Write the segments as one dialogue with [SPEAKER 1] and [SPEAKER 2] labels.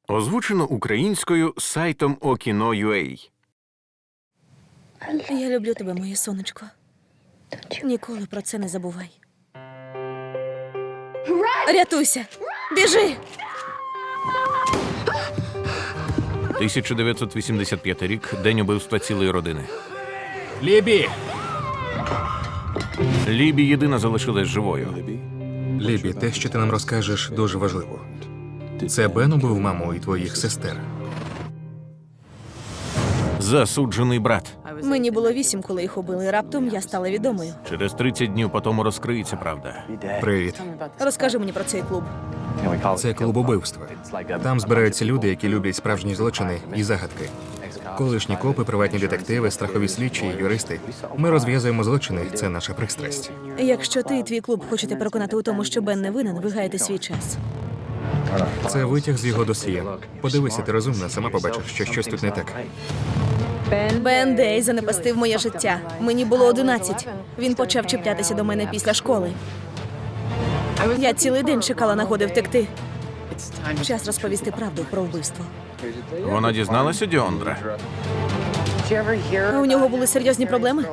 [SPEAKER 1] Озвучено українською сайтом Okino.ua.
[SPEAKER 2] Я люблю тебе, моє сонечко. Ніколи про це не забувай. Рятуйся! Біжи!
[SPEAKER 1] 1985 рік. День убивства цілої родини.
[SPEAKER 3] Лібі!
[SPEAKER 1] Лібі єдина залишилась живою.
[SPEAKER 3] Лібі, те, що ти нам розкажеш, дуже важливо. Це Бен убив маму і твоїх сестер.
[SPEAKER 1] Засуджений брат.
[SPEAKER 2] Мені було 8, коли їх убили. Раптом я стала відомою.
[SPEAKER 1] Через 30 днів по тому розкриється правда.
[SPEAKER 3] Привіт.
[SPEAKER 2] Розкажи мені про цей клуб.
[SPEAKER 3] Це клуб убивства. Там збираються люди, які люблять справжні злочини і загадки. Колишні копи, приватні детективи, страхові слідчі, юристи. Ми розв'язуємо злочини, це наша пристрасть.
[SPEAKER 2] Якщо ти і твій клуб хочете переконати у тому, що Бен не винен, ви гаєте свій час.
[SPEAKER 3] Це витяг з його досьє. Подивися, ти розумна, сама побачиш, що щось тут не так.
[SPEAKER 2] Бен Дей занепастив моє життя. Мені було 11. Він почав чіплятися до мене після школи. Я цілий день чекала нагоди втекти. Час розповісти правду про вбивство.
[SPEAKER 1] Вона дізналася Діондра?
[SPEAKER 2] А у нього були серйозні проблеми?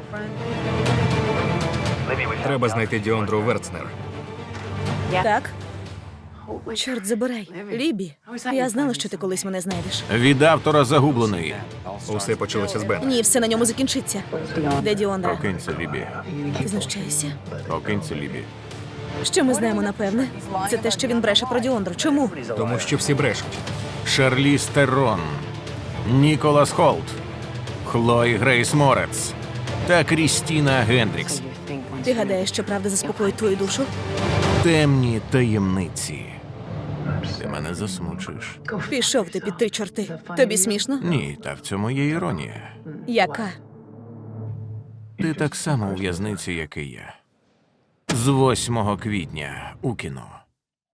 [SPEAKER 3] Треба знайти Діондру Верцнер.
[SPEAKER 2] Так? Чорт забирай. Лібі, я знала, що ти колись мене знайдеш.
[SPEAKER 1] Від автора загубленої.
[SPEAKER 3] Усе почалося з Бена.
[SPEAKER 2] Ні, все на ньому закінчиться. Де Діондра?
[SPEAKER 1] Покинься, Лібі.
[SPEAKER 2] Ти знущаєшся?
[SPEAKER 1] Покинься, Лібі.
[SPEAKER 2] Що ми знаємо, напевне? Це те, що він бреше про Діондру. Чому?
[SPEAKER 3] Тому що всі брешуть.
[SPEAKER 1] Шарліз Терон, Ніколас Холт, Хлої Грейс Морец та Крістіна Гендрікс.
[SPEAKER 2] Ти гадаєш, що правда заспокоїть твою душу?
[SPEAKER 1] Темні таємниці. Ти мене засмучуєш.
[SPEAKER 2] Пішов ти під 3 чорти. Тобі смішно?
[SPEAKER 1] Ні, та в цьому є іронія.
[SPEAKER 2] Яка?
[SPEAKER 1] Ти так само у в'язниці, як і я. З 8 квітня у кіно.